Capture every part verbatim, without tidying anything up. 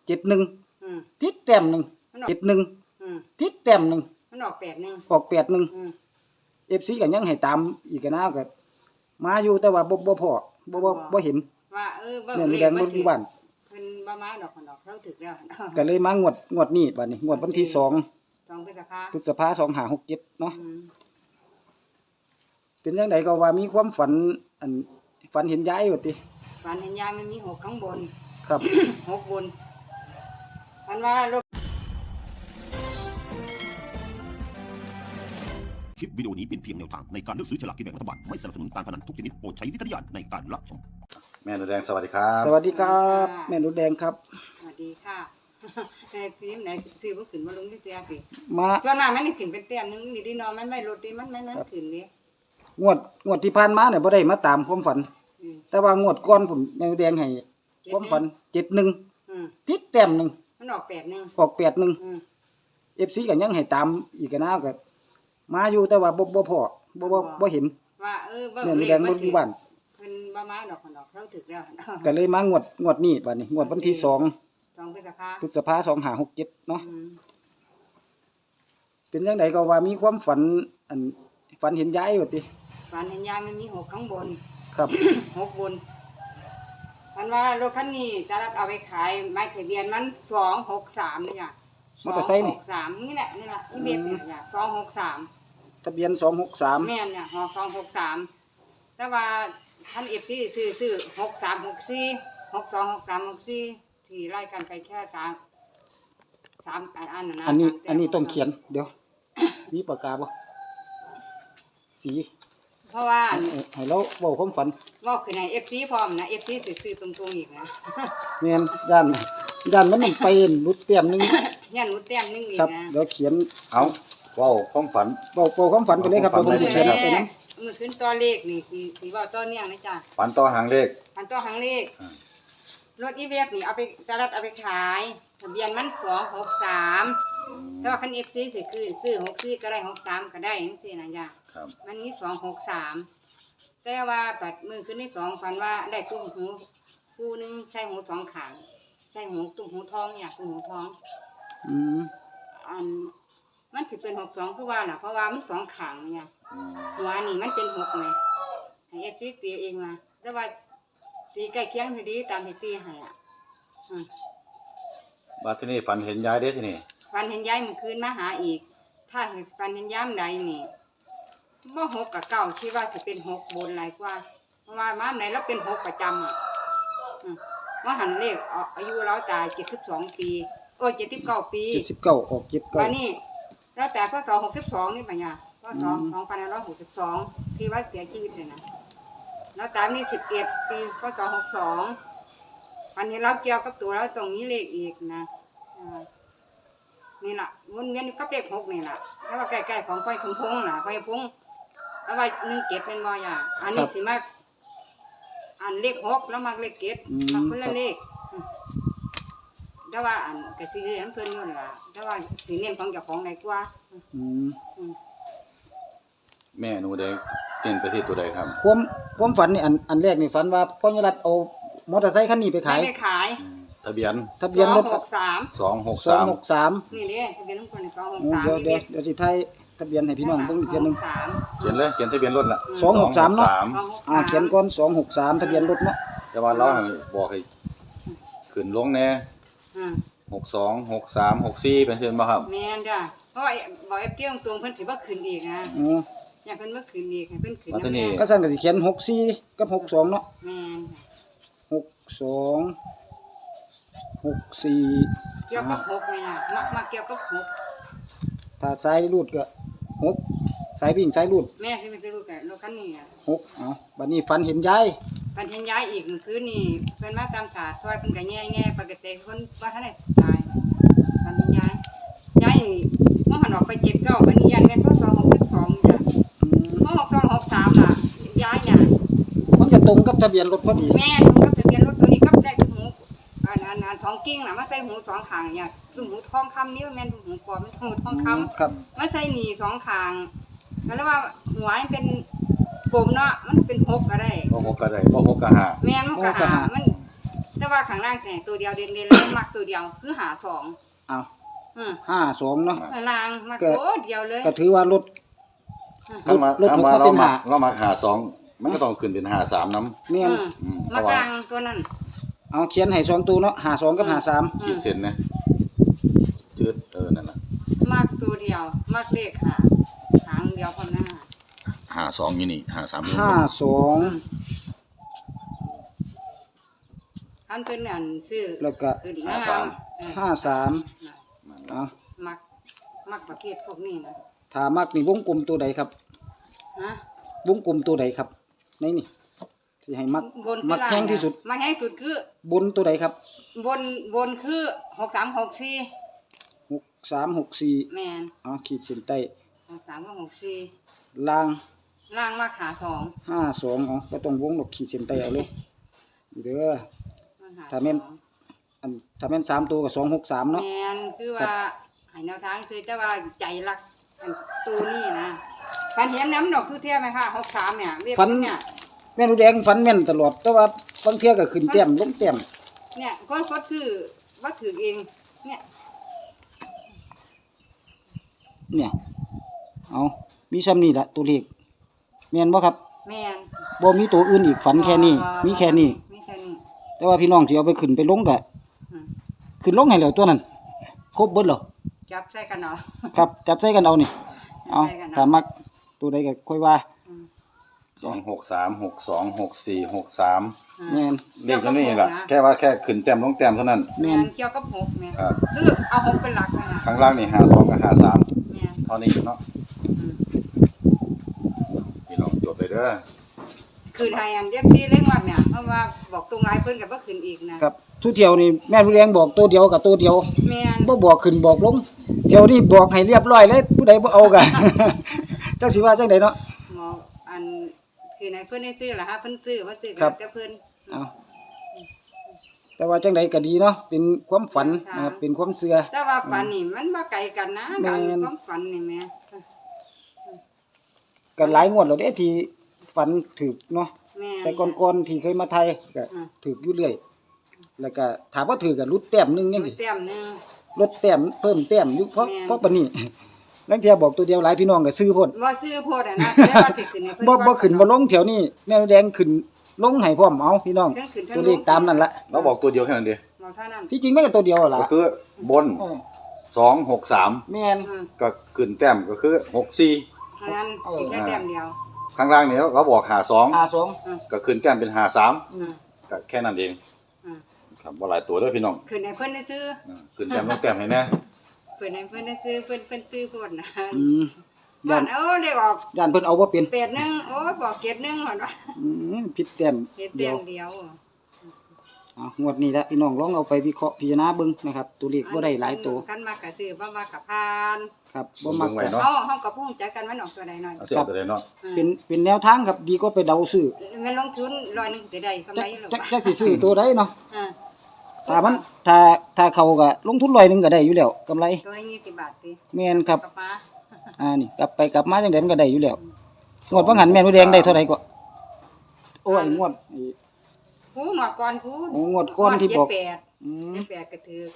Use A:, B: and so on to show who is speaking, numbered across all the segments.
A: เจ็ดหนึ่ง
B: อืม
A: พิษแต้มหนึ่งเจ็ดหนึ่ง
B: อืม
A: พิษแต้มหนึ่ง
B: มันออกแปดหนึ่ง
A: ออกแปดหนึ่ง
B: อืม
A: เอฟซีก็ยังให้ตามอีกนะก็มาอยู่แต่ว่าบ่บ่พอบ่บ่บ่เห็น
B: ว่าเออบ่
A: แม่น
B: เล
A: แด
B: ข
A: ง
B: บ่
A: บ่อ
B: ถื
A: ยู่
B: อ
A: บ้าน
B: เพิ่นบ่มาดอกคนดอกเฮาถึกแล้ว
A: ก็เลยมางวดงวดนี้บัดนี้งวดวันที่สอง
B: สองพฤษภา
A: พฤษภาคมสองห้าหกเจ็ดเนาะ
B: อืม
A: เป็นจังไดก็ว่ามีความฝันอันฝันเห็นยายว่าติ
B: ฝันเห็นยายมันมีหกข้างบน
A: ครับ
B: หกบนฝันว่ารถ
C: คลิปวิดีโอนี้เป็นเพียงแนวทางในการเลือกซื้อฉลากกินแบ่งรัฐบาลไม่สนับสนุนการพนันทุกชนิดโปรดใช้วิจารณญาณในการรับชม
D: แม่หนูแดงสวัสดีครับ
A: สวัสดีครับแม่หนูแดงครับ
B: สวัสดีค่ะ ในฟิล์มไหนซื้อบ่ขึ้นบ่ลงที่เตียสิ
A: มา
B: ส่วนมากมันนี่ขึ้นเป็นแต้มหนึงนี่ดิเนาะมันไม่ลดดิมันมันมันขึ้นดิ
A: งวดงวดที่ผ่านมาเนี่ยบ่ได้มาตามความฝัน
B: อืม
A: แต่ว่างวดก่อนผมแม่หนูแดงให้ความฝันเจ็ดหนึ่ง
B: อืม
A: พิษแต้มหนึ่ง
B: มันออกแปดหนึ่ง
A: ออกแปดหนึ่ง
B: อืม
A: เอฟซีก็ยังให้ตามอีกนะก็มาอยู่แต่ว่าบ่บ่พอบ่บ่บ่เห็น
B: ว่าเออบ่
A: แม่น
B: เล
A: แด
B: ข
A: ง
B: บ่
A: บ่อ
B: ถื
A: ยู่
B: อ
A: บ้าน
B: เพิ่นบ่มาดอกคนดอกเฮาถึกแล้ว
A: ก็เลยมางวดงวดนี้บัดนี้งวดวันที่สอง
B: สองพฤษภา
A: พฤษภาคมสองห้าหกเจ็ดเนาะ
B: อืม
A: เป็นจังไดก็ว่ามีความฝันอันฝันเห็นยายว่าติ
B: ฝันเห็นยายมันมีหกข้างบน
A: ครับ
B: หกบนฝันว่ารถคันนี้จะรับเอาไปขายหมายทะเบียนมันสองหกสามนี่จ้ะ
A: มอเตอร์ไซค์
B: ห
A: นี่
B: กสามนี่แหละนี่ล่ะนี่เบียดเนี่ยจ้ะสองหกสาม
A: ทะเบียนสองหกสาม
B: แม่นเนี่ยหอสองหกสามแต่ว่าท่านเอฟซีซื้อซื้อหกสามหกสี่หกสองหกสามหกสี่ที่ไล่กันไปแค่สามสามอันนะนะ
A: อันนี้
B: สามแต้ม
A: อันนี้ต้องเขียนเดี๋ยว มีปากกาบ่สี
B: เพราะว่า
A: ให้ให้เราเว้าความฝัน
B: บอกคือในเอฟซีพร้อมนะเอฟซีซื้อตรงๆอีกนะ
A: แม่นย่านย่านมันมันไปรุดเต็มหนึง
B: ยันหนูแต้มนึงอีก
A: ครับ
B: นะ
A: เดี๋ยวเขียน
D: เอาเว้าความฝัน
A: เว้าเว้าความฝันไปเลยครับ
D: เอา
A: เดี๋ยวผม
D: ความฝั
A: จะ
D: น
A: เขียน
D: ไป
A: เอา
D: เลย
A: ไปนํ
B: มือขึ้นตัวเลขนี่สีสีว่าตัวเนี่ยนะจ๊ะ
D: ฝันต่อหางเลข
B: พันตัวหางเลข
D: อ่า
B: รถอีเวฟนี่เอาไปตลาดเอาไปขายทะเบียนมันสองหกสามแต่ว่าคันเอฟซีสิคือซื้อหกสี่ก็ได้หกสามก็ได้จังซี่นะจ๊ะ
D: ครับ
B: มันมีสองหกสามแต่ว่าปัดมือขึ้นที่สองฝันว่าได้ตุ้มหูคู่หนึงใช่หูสองขางใช่หูตุ้มหูทองเนี่ยตุ้มหูทอง
A: อืม
B: อันมันถือเป็นหกสองคือว่าน่ะเพราะว่ามันสองขางเนี่ย
D: อืม
B: หัวนี่มันเป็นหกไงให้เอฟซีตีเองมาแต่ว่าตีใกล้เคียงพอดีตามที่ตีให้อ่ะอืม
D: บัดทีนี้ฝันเห็นยายเด้ทีนี่
B: ฝันเห็นยายเมื่อคืนมาหาอีก ถ้าเห็นฝันเห็นยามใดนี่บ่หกกับเก้าคิดว่าจะเป็นหกบนหลายกว่า เพราะว่ามาไหนแล้วเป็นหกประจำอ่ะอืมว่าหันเลขเอาอายุเราตายเจ็ดสิบสองปีโอ้เจ็ดสิบเก้าปี
A: เจ็ดสิบเก้าออกเจ็ดเก้า
B: วันนี้เราแต่พศหกสิบสองนี่ปัญญาพศ
A: อืม
B: สองพันห้าร้อยหกสิบสองที่ว่าเสียชีวิตเลยนะแล้วตามนี่สิบเอ็ดปีพศหกสองวันนี้เราเกี่ยวกับตัวเราตรงนี้เลขอีกนะอ่านี่ล่ะวนเวียนอยู่กับเลขหกนี่ล่ะแล้วว่าใกล้ๆของไฟคำพงล่ะไฟพงแล้วว่าหนึ่งเจ็ดเป็นบ่อยอ่ะอันนี้สิมาอันเลขหกแล้วมาเลขเจ็ดมาคนละเลขอืมแต่ว่าอันกสิเรียนเพิ่นอยู่นั่นล่ะแต่ว่าสิเน้นของเจ้าของไหนกว่า
A: อืม
B: อืม
D: แม่หนูแดงเต้นไปที่ตัวใดครับ
A: ความความฝันนี่อันอันแรกนี่ฝันว่าพ่อยรัตน์เอามอเตอร์ไซค์คันนี้ไปขาย
B: ไม่ได้ขาย
D: อืมทะเบียน
A: ทะเบียนรถ
B: สองหกสาม
D: สองหก
A: สอง
D: สาม
A: หกสาม
B: นี่เลยทะเบียนของคนสองหก
A: อืม
B: สาม
A: เดี๋ยวเดี๋ยวเดี๋ยวสิไทยทะเบียนให้พี่น้องเบิ่งอีกเทียหนึง
B: สาม
D: เขียนเลยเขียนทะเบียนรถละ
A: สองหกสามเนาะ
D: สองหกส
B: สองหก
A: อ่า
B: สาม
A: เขียนก่อนสองหกสามทะเบียนรถเนาะ
D: แต่ว่าเราให้บอกให้ขึ้นลงแน่
B: อืม
D: หกสองหกสามหกสี่เป็นเช่นบ่ครับ
B: แม่นจ้ะเพราะว่าบอกไอ้เตี้ยงตรงเพิ่นสิบ่ขึ้นอีกนะ
A: อ๋อ
B: อย่าเพิ่นบ่ขึ้นอีกให้เพิ่นขึ้น
D: แล้วทีนี้
A: ก็สั่นก็สิเขียนหกสี่กับหกสองเนาะ
B: แม่น
A: หกสองหกสี่
B: เกี่ยวกับหกนี่น่ะมักมักเกี่ยวกับหก
A: ถ้าสายรูดก็หกสายวิ่งสายรูด
B: แม่ที่มันจะรู้กันรถคันนี้อ่ะ
A: หกเอาบัดนี้ฝันเห็นยาย
B: ปันเห็นย้ายอีกเมื่อคืนนี่เพิ่นมาตามศาสตร์ซอยเพิ่นก็แง่ๆปกติเพิ่นว่าท่านได้ตายปันเห็นย้ายย้ายนี่เมื่อหันออกไปเจ็ดเก้าบัดนี้ยันแม่นพศหกสิบสองจ้ะ
A: อืม
B: เมื่อหกสองหกสามล่ะย้ายเนี่ย
A: มันจะตรงกับทะเบียนรถพอดี
B: แม่ตรงกับทะเบียนรถตัวนี้กับได้หูอันอันอันสองกิ้งน่ะมาใส่หูสองข้างเนี่ยคือหูทองคำนี่มันแม่นหูปลอมมันหูทองคำ
A: ครับ
B: มาใส่หนีสองข้างแล้วว่าหัวมันเป็นกลมเนาะมันเป็นหกก็ได้
D: บ่หกก็ได้บ่หกก็ห้า
B: แม่นมันก็หามันแต่ว่าข้างล่างแสงตัวเดียวเด่นๆแล้วมักตัวเดียวคือหาสอง
A: เอา
B: อืม
A: ห้าสองเนาะ
B: ล่างมักตัวเดียวเลย
A: ก็ถือว่ารถ
D: ถ้ามา
A: ลด
D: ถ้า
A: ลด
D: มา
A: มา
D: เรา
A: เป็น
D: มา
A: ห้า
D: เรามาหาสองมันก็ต้องขึ้นเป็นหาสามน้ำ
A: แม่น
B: อืม
D: อืมเพ
B: มัก
D: ราะว่า
B: ล่างตัวนั้น
A: เอาเขียนให้สองตัวเนาะห้าสองกับห้าสาม
D: ขีดเส้นนะจืดเออนั่นน่ะ
B: มักตัวเดียวมักเลขหาหางเดียวพอหน้า
D: หาสองอยู่นี่หาสามอยู่
A: ห้าสอง
B: อันเป็นอันซื้อ
A: แล้วก็
B: ขึ้นหน้าเออ
A: ห้าสามเอา
B: มักมักประเภทพวกนี้นะ
A: ถ้ามักนี่วงกลมตัวใดครับ
B: ฮะ
A: วงกลมตัวใดครับในนี่สิให้มัก
B: บน
A: มักแข้งที่สุด
B: มักแห้งสุดคือบ
A: นตัวใดครับ
B: บนบนคือหกสามหกสี่
A: หกสามหกสี่
B: แมน
A: เอาขีดเส้นใต้
B: หกสามกับหกสี่
A: ล่าง
B: ล่างมักหาสอง
A: ห้าสองอ๋อก็ต้องวงดอกขีดเส้นใต้เอาเลยนี่เด้อ
B: มักห
A: ถ้าแม่น
B: สอง
A: อันถ้าแม่นสามตัวก็สองหกสามเนาะ
B: แมนคือ
A: ครั
B: ว่า
A: บ
B: ให้แนวทางซื้อแต่ว่าใจรักอันตัวนี้นะฟันเห็นน้ำดอกทุเทียไหมคะหกสามเนี่ยเรียกเนี่ย
A: แม่นแดงฟันแม่นตลอด แต่ว่าบางเที่ยก็ขึ้นแต้มลงแต้ม
B: เนี่ยคนก็ถือว่าถือเอง เนี่ย
A: เนี่ยเอามีซ้ำนี่ละตัวเลขแม่นบ่ครับ
B: แม่น
A: บ่มีตัวอื่นอีกฝันแค่นี้ มีแค่นี้
B: มีแค่นี้
A: แต่ว่าพี่น้องสิเอาไปขึ้นไปลงก็
B: อืม
A: ขึ้นลงให้แล้วตัวนั้น ครบเบิดแล้ว
B: จับใส่กันเนาะ
A: ครับจับใส่กันเอานี่เอา
B: ใส่กันเอา
A: ถ้ามักตัวใดก็ค่อยว่า
B: อืม
D: สองหกสามหกสองหกสี่หกสาม
A: แม่น
D: เรียกเท่านี้แหละแค่ว่าแค่ขึ้นแต้มลงแต้มเท่านั้น
B: แม่
A: แม่น
B: นเกี่ยวกับหกแม่น
D: ครับ
B: คือเอาหกเป็นหลักเลยนะ
D: ข้างล่างนี่หาสองกับหาสาม
B: แม่น
D: เท่านี้เนาะ
B: อืม
D: พี่น้องจดไปเด้อ
B: คือไทยอันเรียบซีเร่งวัดเนี่ยเพราะว่าบอกตรงไรเพิ่นกับว่าขึ้นอีกนะครับ
A: ทุกเที่ยวนี่แม่นผู้แดงบอกตัวเดียวกับตัวเดียว
B: แม่น
A: บ่บอกขึ้นบอกลงเที่ยวนี้บอกให้เรียบร้อยเลยผู้ใดบ่เอาก็ จักสิว่าจังไดเนาะ
B: หมออันคือในเพิ่นได้ซื้อล่ะฮะเพิ่นซื้อว่าซื้อ
A: ครับ
B: แต่เพิ่น
A: เอาแต่ว่าจังไดก็ดีเนาะเป็นความฝัน
B: ค่ะ
A: นะครับเป็นความเชื่อ
B: แต่ว่าฝันนี่มันบ่ไกลกันนะ
A: แม่
B: การ
A: น
B: ความฝันนี่แม่
A: ก็หลายงวดแล้วเด้ที่ฝันถึกเนาะ
B: แม่น
A: แต่ก่อนๆที่เคยมาไทยก็
B: อ่า
A: ถึกอยู่เรื่อยแล้วก็ถามว่าถือก็ลดแต้มหนึงจังซี่
B: เต็มหนึง
A: ลดแต้มเพิ่มแต้มอยู่เพราะ
B: แม่น
A: เพราะปานนี้ ลังเที่ยบอกตัวเดียวหลายพี่น้องก็ซื้อโพด
B: บ่ซื้อโพดอ่ะนะแต่ว่าสิขึ้นให้เพิ่น
A: บ่บ่
B: ก่อ
A: ขึ้นบ่ลงแถวนี้แม่แดงขึ้นลงให้พร้อมเอาพี่น้อง
B: ทั้งขึ้นทั้ง
A: ตัวเลขตามนั่นละ
D: เราบอกตัวเดียวแค่นั้นเดียว
B: บ่เท่านั้น
A: ที่จริงมันก็ตัวเดียวล่ะ
D: ก็คือบน
A: เออ
D: สองหกสาม
A: แม่น
B: อืม
D: ก็ขึ้นแต้มก็คือหกสี่
B: เท่านั้น
A: เออ
B: อีกแค่แต้มเดียว
D: ข้างล่างนี่เราบอกหาสอง
A: ห้าสอง
D: ก็ขึ้นแต้มเป็นหาสาม
B: อืม
D: ก็แค่นั้นเอง
B: อืม
D: ครับว่าหลายตัวเด้วยพี่น้อง
B: ขึ้นให้เพิ่นได้ซื้อ
D: อืมขึ้นแต้มลงแต้มให้แน่
B: เพิ่นให้เพิ่นได้ซื้อเพิ่นเพิ่นซื้อโพดนะ
A: อืม
B: บ้า
A: ย่าน
B: นเอ้าได้ออก
A: ย่านเพิ่นเอาบ่เป็น
B: เป็ดหนึงโอ้ยบอกเกดหนึงหั่นว่า
A: อืมผิดแต้ม
B: เฮ็ด
A: เดี
B: เต็
A: ยว
B: มเดียว
A: เอางวดนี้ละพี่น้องลองเอาไปวิเคราะห์พิจารณาเบิ่งนะครับตัวเลขบ่ได้หลายตัว
B: คันมากก็ซื้อบ่มากก็ผ่าน
A: ครับบ่มัก
D: เบิ่งไว้
A: ก็
D: เนาะ
B: เฮาเฮาก็พูดใจกันมันออกตัวใดหน่อย
D: เอาเสียตัวใดเนาะ
B: อืม
A: เป็นเป็นแนวทางครับดีก็ไปเดาซื้อ
B: เงินลงทุนร้อยหนึงสิได้กำ
A: จั
B: ไร
A: ก
B: หรือ
A: จัก
B: เปล่า
A: จักสิซื้อตัวใดเนาะ
B: อ่า
A: ถ้ามันถ้าถ้าเขาก็ลงทุนร้อยหนึงก็ได้อยู่แล้วกำไร
B: ตัวละยี่สิบบาทติ
A: แม่นครับ
B: กับป้า
A: อ่านี่กลับไปกลับมาจังได๋มันก็ได้อยู่แล้วงวดบ่หันแม่นบ่แดงได้เท่าใดก็โอ้ยงวดไอ้
B: คูหนวดก่อนคู
A: โอ้งวดก่อนที่บอก
B: เจ็ดแปด
A: อืม
B: เจ็ดแปดก็ถือ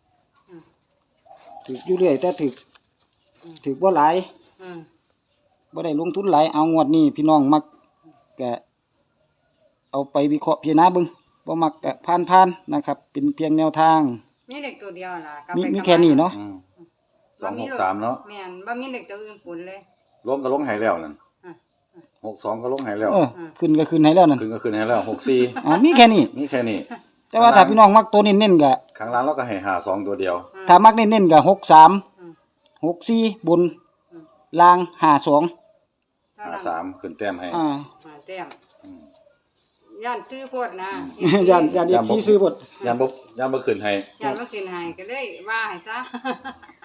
A: ถูกอยู่เรื่อยแต่ถูกถูกบ่หลาย
B: อืม
A: บ่ได้ลงทุนหลายเอางวดนี้พี่น้องมักก็เอาไปวิเคราะห์พิจารณาเบิ่งบ่มักก็ผ่านๆนะครับ เป็นเพียงแนวทาง
B: มีเด็กตัวเดียวล่ะกลับ
A: มี
B: ไป
A: มี
B: กลับ
A: แค่นี้เนาะ
D: อืมสองหกสามเนาะ
B: แม่นบ่มีเด็กตัวอื่นปุ่นเลย
D: ลงก็ลงให้แล้วนั่น
B: อ่ะ
D: หกสองก็ลงให้แล้ว
A: เออขึ้นก็ขึ้นให้แล้วนั่น
D: ขึ้นก็ขึ้นให้แล้วหกสี่
A: อ่ามีแค่นี้
D: นี่แค่นี้
A: แต่ว่าถ้าพี่น้องมักตัวเน้นๆก็
D: ข้างล่างเราก็ให้หาสองตัวเดียว
B: อืม
A: ถ้ามักเน้นๆก็หกสาม
B: อืม
A: หกสี่บน
B: อืม
A: ล่างห้าสอง
B: เท่
D: หา
B: นั้น
D: สามขึ้นแต้มให้
A: อ่า
B: อ่าแต้ม
D: อืม
B: ย่านซื้อโพดนะ
A: ย่านย่าน เอฟซีซื้อหมด
D: ยามบ่ยามบ่ขึ้นให้
B: ย่านมาขึ้นให้ก็เลยว่าให้ซะ